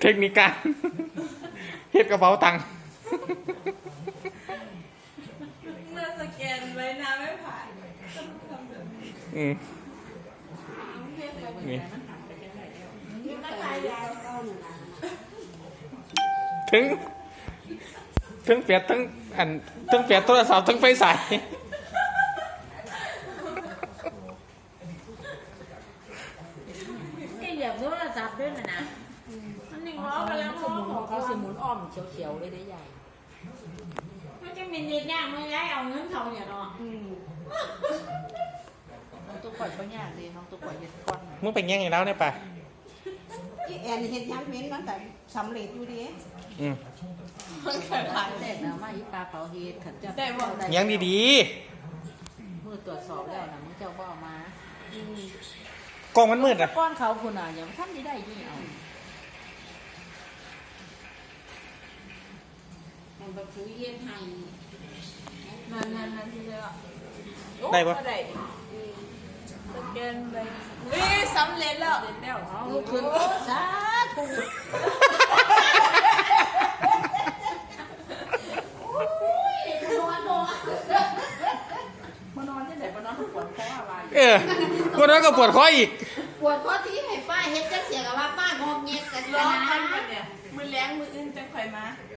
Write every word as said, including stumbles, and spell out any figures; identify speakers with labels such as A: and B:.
A: ทคนิคการเฮ็ดกระเป๋าตังค์
B: เมื่อสแกนไว้น้ำไม่ผ่านต้องทำแบบนี้
A: อืมนี่ถึงถึงเปียดทั้งอันทั้งเปียดโทรศัพท์ทั้งไฟสาย
C: นี่อยากโทรศัพท์ด้วยนะนะมันหนึ่งล้อกำลัง
D: สมุนเขาสมุนอ้อมเขียวๆเลยได้ใหญ่
C: มันจะมีเด็กย่างมาย้ายเอาเงินเขาเนี่ยเนาะ
D: น้องตุ๊กปล่อยเขายากเลยน้องตุ๊กปล่อยเห็ดก้อน
A: มึงเป็นยังไงแล้วเนี่ยป่ะ
E: แอนเห็นยังเม้นมันแต่สำเร็จอยู่ดี
A: อืม
D: มันเกิดผ่านแต่นะมาอีปลาเผาเห็ดขันจะได้
A: ยังดี
D: ๆมือตรวจสอบแล้วนะมึงเจ้าบ่อมาก
A: ล้องมันมืดอ่ะ
D: ก้อนเขาคุณอ่ะยังท่านไม่ได้ยี่เอา
C: มันแบบคุยเย็นไทย
B: นั่นนั่นนั่นที่เรียกว่า
A: ได้ปะ
B: ได้สแกนไปวิสำเร็จแล้วเร็จแล้ว
D: เอาลูกขึ้นสาธุมานอนที่ไหนมานอนปวดคออะไร
A: เออวันนั้นก็ปวดคออีก
C: ปวดคอที่ให้ป้าเฮ็ดจังเสียกับว่าป้างอมเงียกัน
B: ร้อง
C: นะ
B: กันปะเนี่ยมือแรงมืออื่นจังค่อยมา